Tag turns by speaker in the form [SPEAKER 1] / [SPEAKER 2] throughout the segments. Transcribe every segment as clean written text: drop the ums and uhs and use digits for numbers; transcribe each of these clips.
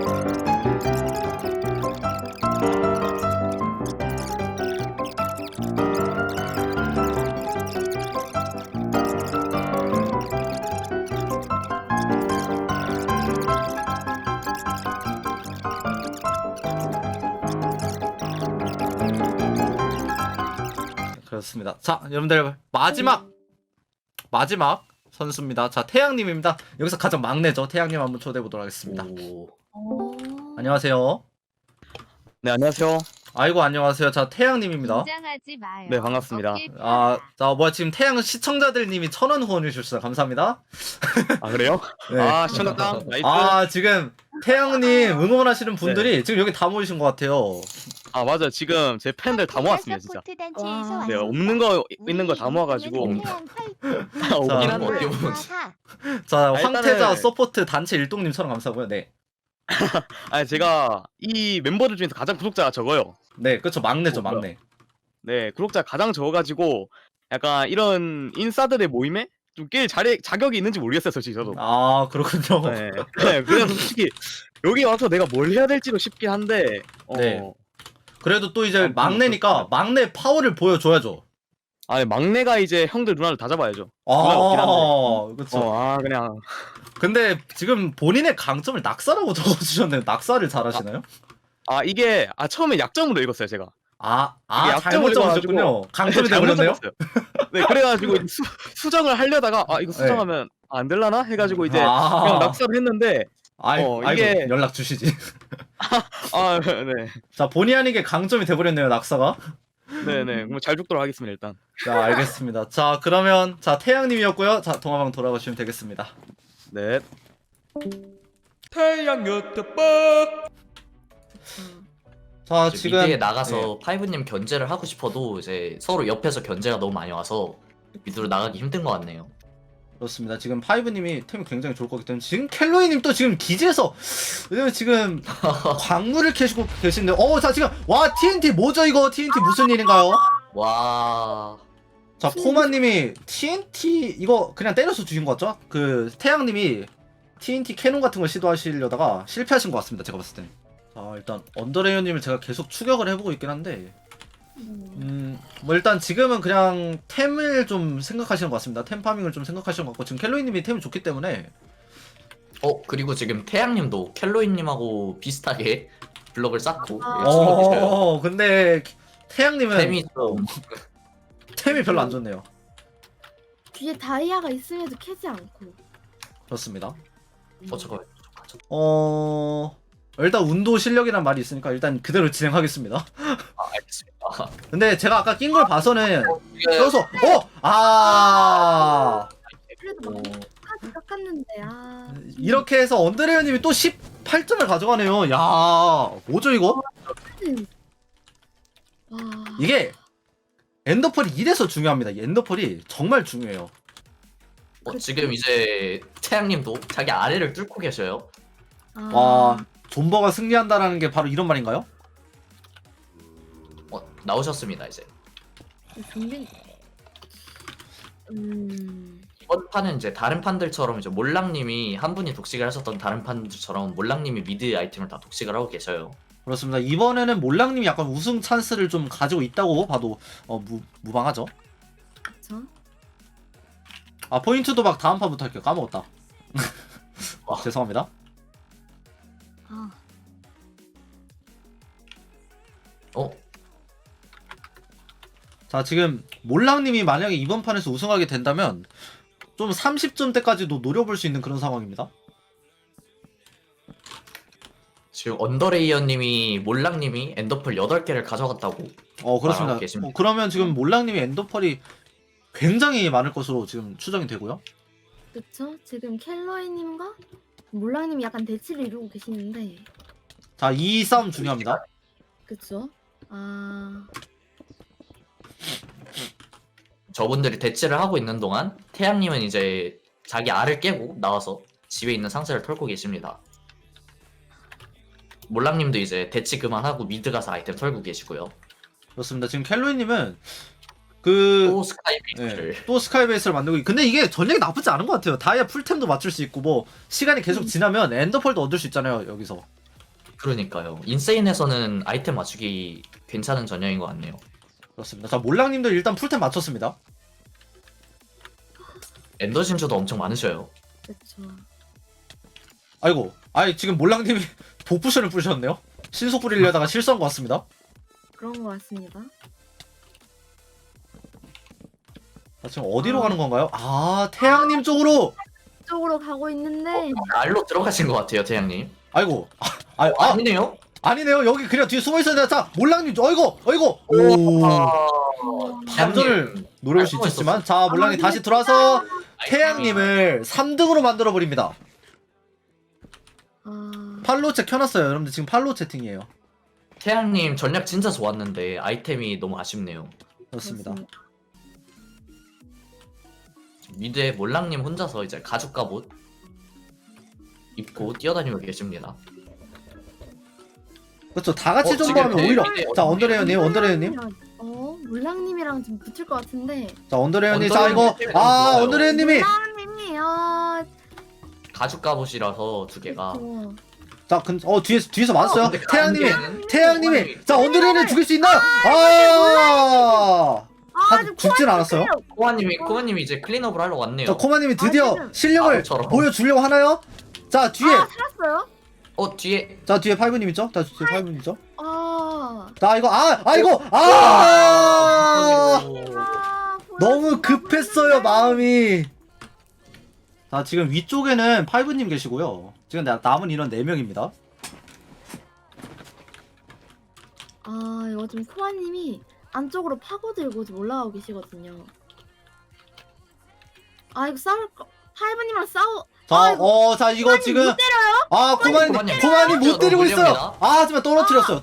[SPEAKER 1] 그렇습니다. 자, 여러분들 마지막 선수입니다. 자, 태양님입니다. 여기서 가장 막내죠. 태양님 한번 초대해 보도록 하겠습니다. 안녕하세요.
[SPEAKER 2] 네, 안녕하세요.
[SPEAKER 1] 아이고, 안녕하세요. 자, 태양님입니다.
[SPEAKER 3] 긴장하지 마요.
[SPEAKER 2] 네, 반갑습니다.
[SPEAKER 1] 자, 뭐야 지금 태양 시청자들님이 1000원 후원해 주셨어요. 감사합니다.
[SPEAKER 2] 아, 그래요?
[SPEAKER 1] 네.
[SPEAKER 2] 아, 시청자당 나이스.
[SPEAKER 1] 지금 태양님 응원하시는 분들이 지금 여기 다 모이신 것 같아요.
[SPEAKER 2] 아, 맞아. 지금 제 팬들 다 모았습니다, 진짜. 네, 없는 거 있는 거 다 모아가지고. 아, 없긴
[SPEAKER 1] 자,
[SPEAKER 2] 한데.
[SPEAKER 1] 자,
[SPEAKER 2] 아,
[SPEAKER 1] 황태자
[SPEAKER 2] 일단은-
[SPEAKER 1] 서포트 단체 일동님처럼 감사하고요. 네,
[SPEAKER 2] 아니, 제가 이 멤버들 중에서 가장 구독자가 적어요.
[SPEAKER 1] 네, 그렇죠. 막내죠,
[SPEAKER 2] 뭐야.
[SPEAKER 1] 막내.
[SPEAKER 2] 네, 구독자가 가장 적어가지고 약간 이런 인싸들의 모임에 좀 낄 자격이 있는지 모르겠어요, 솔직히 저도.
[SPEAKER 1] 아, 그렇군요.
[SPEAKER 2] 네, 네, 그래서 솔직히 여기 와서 내가 뭘 해야 될지도 싶긴 한데.
[SPEAKER 1] 네. 그래도 또 이제
[SPEAKER 2] 아무튼
[SPEAKER 1] 막내니까 막내 파워를 보여줘야죠.
[SPEAKER 2] 아니, 막내가 이제 형들 누나를 다 잡아야죠. 누나가 없긴 한데.
[SPEAKER 1] 그렇죠.
[SPEAKER 2] 그냥.
[SPEAKER 1] 근데 지금 본인의 강점을 낙사라고 적어주셨네요. 낙사를 잘하시나요?
[SPEAKER 2] 이게 처음에 약점으로 읽었어요, 제가.
[SPEAKER 1] 이게
[SPEAKER 2] 약점을
[SPEAKER 1] 잘못 적으셨군요. 강점이 되버렸네요.
[SPEAKER 2] 네, 그래가지고 이제 수정을 하려다가 이거 수정하면 안 될라나 해가지고 이제 그냥 낙서를 했는데.
[SPEAKER 1] 아이고,
[SPEAKER 2] 이게-
[SPEAKER 1] 연락 주시지.
[SPEAKER 2] 네,
[SPEAKER 1] 자, 본의 아니게 강점이 돼버렸네요, 낙사가.
[SPEAKER 2] 네네. 그럼 잘 죽도록 하겠습니다, 일단.
[SPEAKER 1] 자, 알겠습니다. 자, 그러면 태양님이었고요. 자, 동화방 돌아가시면 되겠습니다.
[SPEAKER 2] 네.
[SPEAKER 4] 태양 유튜브.
[SPEAKER 1] 자,
[SPEAKER 5] 이제
[SPEAKER 1] 지금
[SPEAKER 5] 미드에 나가서 파이브님 견제를 하고 싶어도 이제 서로 옆에서 견제가 너무 많이 와서 미드로 나가기 힘든 것 같네요.
[SPEAKER 1] 그렇습니다. 지금 파이브님이 템이 굉장히 좋을 거기 때문에 지금 켈로이님 또 지금 기지에서 왜냐면 지금 광물을 캐시고 계신데 자 지금 와 TNT 뭐죠 이거 TNT 무슨 일인가요?
[SPEAKER 5] 와,
[SPEAKER 1] 자 코마님이 TNT 이거 그냥 때려서 주신 거 같죠? 그 태양님이 TNT 캐논 같은 걸 시도하시려다가 실패하신 것 같습니다. 제가 봤을 땐. 자 일단 언더레이어님을 제가 계속 추격을 해보고 있긴 한데 뭐 일단 지금은 그냥 템을 좀 생각하시는 것 같습니다. 템 파밍을 좀 생각하시는 것 같고 지금 켈로이님이 템이 좋기 때문에
[SPEAKER 5] 그리고 지금 태양님도 켈로이님하고 비슷하게 블럭을 쌓고 치고 계셔요.
[SPEAKER 1] 근데 태양님은
[SPEAKER 5] 템이 좀
[SPEAKER 1] 템이 별로 안 좋네요.
[SPEAKER 6] 뒤에 다이아가 있음에도 캐지 않고.
[SPEAKER 1] 그렇습니다.
[SPEAKER 5] 잠깐만.
[SPEAKER 1] 일단 운도 실력이란 말이 있으니까 일단 그대로 진행하겠습니다.
[SPEAKER 5] 알겠습니다.
[SPEAKER 1] 근데 제가 아까 낀 걸 봐서는 써서
[SPEAKER 6] 그래도 막 깎았는데
[SPEAKER 1] 이렇게 해서 언더레어님이 또 18점을 가져가네요. 야 뭐죠 이거?
[SPEAKER 6] 와.
[SPEAKER 1] 이게 엔더펄이 이래서 중요합니다. 이 엔더펄이 정말 중요해요.
[SPEAKER 5] 지금 이제 태양님도 자기 아래를 뚫고 계셔요.
[SPEAKER 1] 와 존버가 승리한다라는 게 바로 이런 말인가요?
[SPEAKER 5] 나오셨습니다 이제.
[SPEAKER 6] 준비.
[SPEAKER 5] 이번 판은 이제 다른 판들처럼 이제 몰랑님이 한 분이 독식을 하셨던 다른 판들처럼 몰랑님이 미드 아이템을 다 독식을 하고 계셔요.
[SPEAKER 1] 그렇습니다. 이번에는 몰랑님이 약간 우승 찬스를 좀 가지고 있다고 봐도 무방하죠.
[SPEAKER 6] 그쵸?
[SPEAKER 1] 포인트 도박 다음 판부터 할게요. 까먹었다. 죄송합니다. 자 지금 몰랑님이 만약에 이번 판에서 우승하게 된다면 좀 30점대까지도 노려볼 수 있는 그런 상황입니다.
[SPEAKER 5] 지금 언더레이어님이 몰랑님이 엔더펄 8개를 가져갔다고.
[SPEAKER 1] 그렇습니다.
[SPEAKER 5] 계십니다.
[SPEAKER 1] 그러면 지금 몰랑님이 엔더펄이 굉장히 많을 것으로 지금 추정이 되고요.
[SPEAKER 6] 그쵸? 지금 켈로이님과 몰랑님이 약간 대치를 이루고 계시는데.
[SPEAKER 1] 자 이 싸움 중요합니다.
[SPEAKER 6] 그쵸?
[SPEAKER 5] 저분들이 대치를 하고 있는 동안 태양님은 이제 자기 알을 깨고 나와서 집에 있는 상자를 털고 계십니다. 몰랑님도 이제 대치 그만하고 미드 가서 아이템 털고 계시고요.
[SPEAKER 1] 그렇습니다. 지금 켈로이님은
[SPEAKER 5] 또 스카이베이스를
[SPEAKER 1] 또 스카이베이스를 만들고 근데 이게 전략이 나쁘지 않은 것 같아요. 다이아 풀템도 맞출 수 있고 뭐 시간이 계속 지나면 엔더펄도 얻을 수 있잖아요 여기서.
[SPEAKER 5] 그러니까요. 인세인에서는 아이템 맞추기 괜찮은 전형인 것 같네요.
[SPEAKER 1] 그렇습니다. 자 몰랑님도 일단 풀템 맞췄습니다.
[SPEAKER 5] 엔더 진주도 엄청 많으셔요.
[SPEAKER 6] 그쵸.
[SPEAKER 1] 아이고, 아이 지금 몰랑님이 복부션을 뿌리셨네요. 신속 뿌리려다가 실수한 것 같습니다.
[SPEAKER 6] 그런 것 같습니다.
[SPEAKER 1] 자, 지금 어디로 가는 건가요? 아 태양님 쪽으로.
[SPEAKER 6] 쪽으로 가고 있는데
[SPEAKER 5] 알로 들어가신 것 같아요, 태양님.
[SPEAKER 1] 아이고,
[SPEAKER 5] 아니네요.
[SPEAKER 1] 아니네요. 여기 그냥 뒤에 숨어 있어야 돼. 자 몰랑님, 어이구, 오. 반전을 노려볼 수
[SPEAKER 5] 알고
[SPEAKER 1] 있겠지만, 자 몰랑님 다시 들어와서 태양님을 3등으로 만들어 버립니다. 팔로우 채 켜놨어요. 여러분들 지금 팔로우 채팅이에요.
[SPEAKER 5] 태양님 전략 진짜 좋았는데 아이템이 너무 아쉽네요.
[SPEAKER 1] 그렇습니다.
[SPEAKER 5] 미드에 몰랑님 혼자서 이제 가죽 갑옷 입고 뛰어다니고 계십니다.
[SPEAKER 1] 그렇죠. 다 같이
[SPEAKER 5] 지금
[SPEAKER 1] 전부하면 오히려.
[SPEAKER 5] 대회
[SPEAKER 1] 자 언더레어님, 언더레어님.
[SPEAKER 6] 몰랑님이랑 좀 붙을 것 같은데.
[SPEAKER 1] 자 언더레어님, 자 이거
[SPEAKER 5] 언더레어님
[SPEAKER 1] 아 언더레어님이.
[SPEAKER 6] 몰랑님이요.
[SPEAKER 5] 가죽 갑옷이라서 두 개가.
[SPEAKER 1] 자 뒤에서 맞았어요.
[SPEAKER 5] 근데
[SPEAKER 1] 태양님이. 자 언더레어님 죽일 수 있나요? 죽진 않았어요.
[SPEAKER 5] 코아님이 이제 클린업을 하러 왔네요.
[SPEAKER 1] 자 코마님이 드디어
[SPEAKER 6] 지금
[SPEAKER 1] 실력을
[SPEAKER 5] 바보처럼.
[SPEAKER 1] 보여주려고 하나요? 자 뒤에.
[SPEAKER 6] 살았어요?
[SPEAKER 5] 뒤에
[SPEAKER 1] 자 뒤에 8분 있죠? 자 뒤에 8분 있죠?
[SPEAKER 6] 아.
[SPEAKER 1] 자 이거 이거 너무 급했어요 마음이. 자 지금 위쪽에는 8분님 계시고요. 지금 남은 인원 4명입니다.
[SPEAKER 6] 이거 좀 코아님이 안쪽으로 파고들고 좀 올라가고 계시거든요. 이거 싸울 거. 하이브님이랑 싸워.
[SPEAKER 1] 자 이거 지금
[SPEAKER 6] 못 때려요?
[SPEAKER 1] 코마님 못 때리고 있어요. 하지만 떨어뜨렸어요.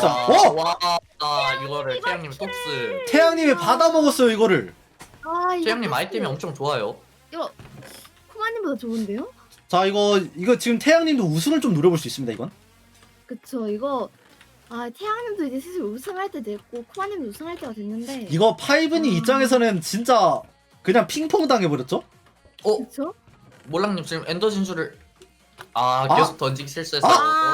[SPEAKER 5] 이거를 태양님 톱스.
[SPEAKER 1] 태양님이 받아먹었어요 이거를.
[SPEAKER 6] 이거
[SPEAKER 5] 태양님 아이템이 엄청 좋아요.
[SPEAKER 6] 이거 코마님보다 좋은데요?
[SPEAKER 1] 자 이거 지금 태양님도 우승을 좀 노려볼 수 있습니다 이건.
[SPEAKER 6] 그쵸. 이거 태양님도 이제 슬슬 우승할 때 됐고 코마님도 우승할 때가 됐는데.
[SPEAKER 1] 이거 파이브니 입장에서는 진짜 그냥 핑퐁 당해버렸죠?
[SPEAKER 6] 그쵸?
[SPEAKER 5] 몰랑님 지금 엔더 진주를 계속 던지기 실수해서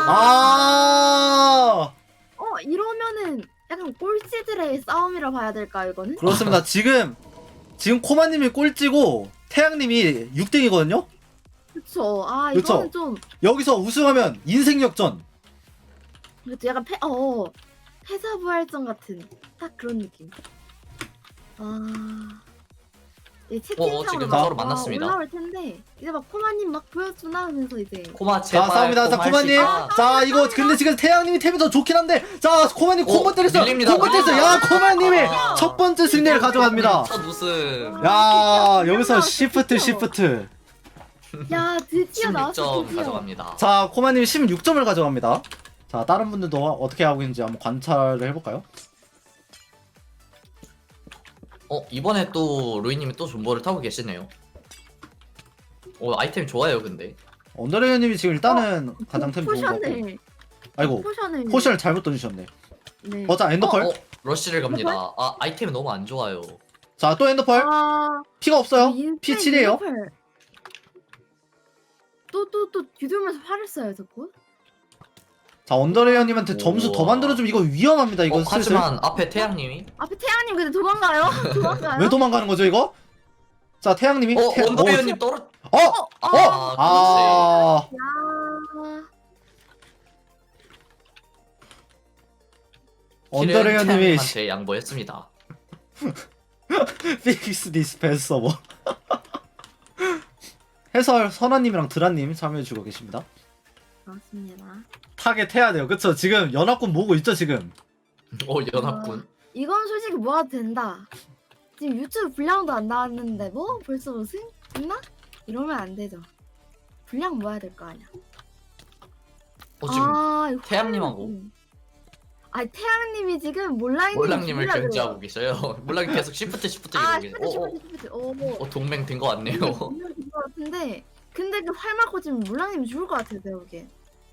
[SPEAKER 6] 이러면은 약간 꼴찌들의 싸움이라 봐야 될까 이거는?
[SPEAKER 1] 그렇습니다. 지금 코마님이 꼴찌고 태양님이 6등이거든요.
[SPEAKER 6] 그쵸.
[SPEAKER 1] 그쵸?
[SPEAKER 6] 이거는 좀
[SPEAKER 1] 여기서 우승하면 인생 역전.
[SPEAKER 6] 그쵸. 약간 패자부활전 같은 딱 그런 느낌. 채팅창으로
[SPEAKER 5] 지금
[SPEAKER 6] 막
[SPEAKER 5] 서로 만났습니다.
[SPEAKER 6] 올라올 텐데 이제 막 코마님 막 보여주나 하면서 이제
[SPEAKER 5] 코마
[SPEAKER 1] 자
[SPEAKER 5] 제발.
[SPEAKER 1] 싸웁니다. 자 코마님. 자 이거 근데 지금 태양님이 템이 더 좋긴 한데, 자 코마님 콤보 때렸어요.
[SPEAKER 5] 밀립니다.
[SPEAKER 1] 콤보 때렸어요. 야 코마님이 첫 번째 승리를 가져갑니다.
[SPEAKER 5] 첫 우승.
[SPEAKER 1] 야 여기서 시프트.
[SPEAKER 6] 야 드디어 나왔어.
[SPEAKER 5] 16점
[SPEAKER 6] 드디어.
[SPEAKER 5] 가져갑니다.
[SPEAKER 1] 자 코마님이 16점을 가져갑니다. 자 다른 분들도 어떻게 하고 있는지 한번 관찰을 해볼까요?
[SPEAKER 5] 이번에 또 루이님이 또 존버를 타고 계시네요. 아이템 좋아요 근데.
[SPEAKER 1] 언더레이님이 지금 일단은 가장 템 좋은 거 같고.
[SPEAKER 6] 포션을
[SPEAKER 1] 아이고 포션을 잘못 던지셨네.
[SPEAKER 6] 네.
[SPEAKER 1] 자 엔더펄.
[SPEAKER 5] 러쉬를 갑니다. 아이템이 너무 안 좋아요.
[SPEAKER 1] 자 또 엔더펄. 피가 없어요. 피 7이에요.
[SPEAKER 6] 또 뒤돌면서 화를 써요 자꾸.
[SPEAKER 1] 자 언더레이어님한테 점수 더
[SPEAKER 5] 우와.
[SPEAKER 1] 만들어주면 이거 위험합니다. 이거 슬슬.
[SPEAKER 5] 하지만 앞에 태양님이
[SPEAKER 6] 앞에 태양님 근데 도망가요? 도망가요?
[SPEAKER 1] 왜 도망가는 거죠 이거? 자 태양님이.
[SPEAKER 5] 언더베어님 떨어.
[SPEAKER 1] 아.
[SPEAKER 6] 야.
[SPEAKER 1] 언더레이어님이
[SPEAKER 5] 태양님한테 양보했습니다.
[SPEAKER 1] 픽스 디스펜스 서버. 해설 선아님이랑 드라님 참여해주고 계십니다.
[SPEAKER 6] 맞습니다.
[SPEAKER 1] 타겟해야 돼요. 그쵸? 지금 연합군 모으고 있죠 지금.
[SPEAKER 5] 연합군.
[SPEAKER 6] 이건 솔직히 모아도 된다. 지금 유튜브 분량도 안 나왔는데 뭐 벌써 우승? 있나? 이러면 안 되죠. 분량 모아야 될 거 아니야.
[SPEAKER 5] 지금
[SPEAKER 6] 이거
[SPEAKER 5] 태양님하고.
[SPEAKER 6] 태양님이 지금
[SPEAKER 5] 몰랑님을 견제하고 계셔요. 몰랑님 계속 시프트 이러고 계세요.
[SPEAKER 6] 시프트.
[SPEAKER 5] 동맹 된 거 같네요.
[SPEAKER 6] 된거 같은데 근데 그 활 맞고 지금 몰랑님이 죽을 것 같아요 내가 보기엔.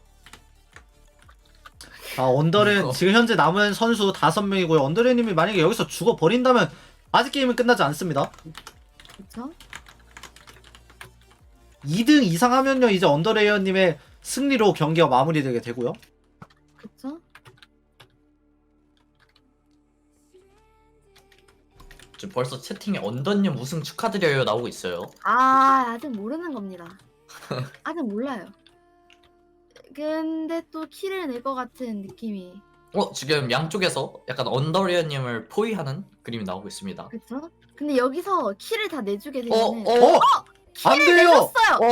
[SPEAKER 1] 언더레 지금 현재 남은 선수 5명이고요. 언더레님이 만약에 여기서 죽어 버린다면 아직 게임은 끝나지 않습니다.
[SPEAKER 6] 그쵸?
[SPEAKER 1] 2등 이상 하면요 이제 언더레이어님의 승리로 경기가 마무리되게 되고요.
[SPEAKER 5] 지금 벌써 채팅에 언더님 우승 축하드려요 나오고 있어요.
[SPEAKER 6] 아직 모르는 겁니다. 아직 몰라요. 근데 또 키를 낼 것 같은 느낌이.
[SPEAKER 5] 지금 양쪽에서 약간 언더리어님을 포위하는 그림이 나오고 있습니다.
[SPEAKER 6] 그쵸? 근데 여기서 키를 다 내주게 되면은
[SPEAKER 1] 안
[SPEAKER 6] 키를
[SPEAKER 1] 돼요.
[SPEAKER 6] 내줬어요.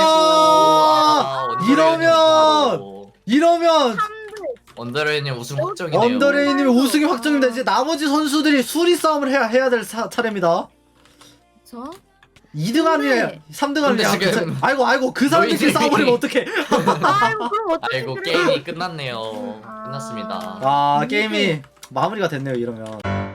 [SPEAKER 1] 이러면
[SPEAKER 5] 언더레이님 우승 확정이네요.
[SPEAKER 1] 언더레이님이 우승이 확정입니다. 이제 나머지 선수들이 수리 싸움을 해야 될 차례입니다.
[SPEAKER 6] 그쵸?
[SPEAKER 1] 2등 아니에요. 3등
[SPEAKER 5] 근데
[SPEAKER 1] 아니에요.
[SPEAKER 5] 지금
[SPEAKER 1] 아이고 그 사람들끼리
[SPEAKER 5] 노이즈님이-
[SPEAKER 1] 싸워버리면 어떡해.
[SPEAKER 6] 아이고 그럼 어떻게
[SPEAKER 5] 아이고 게임이 끝났네요. 끝났습니다.
[SPEAKER 1] 게임이 마무리가 됐네요. 이러면.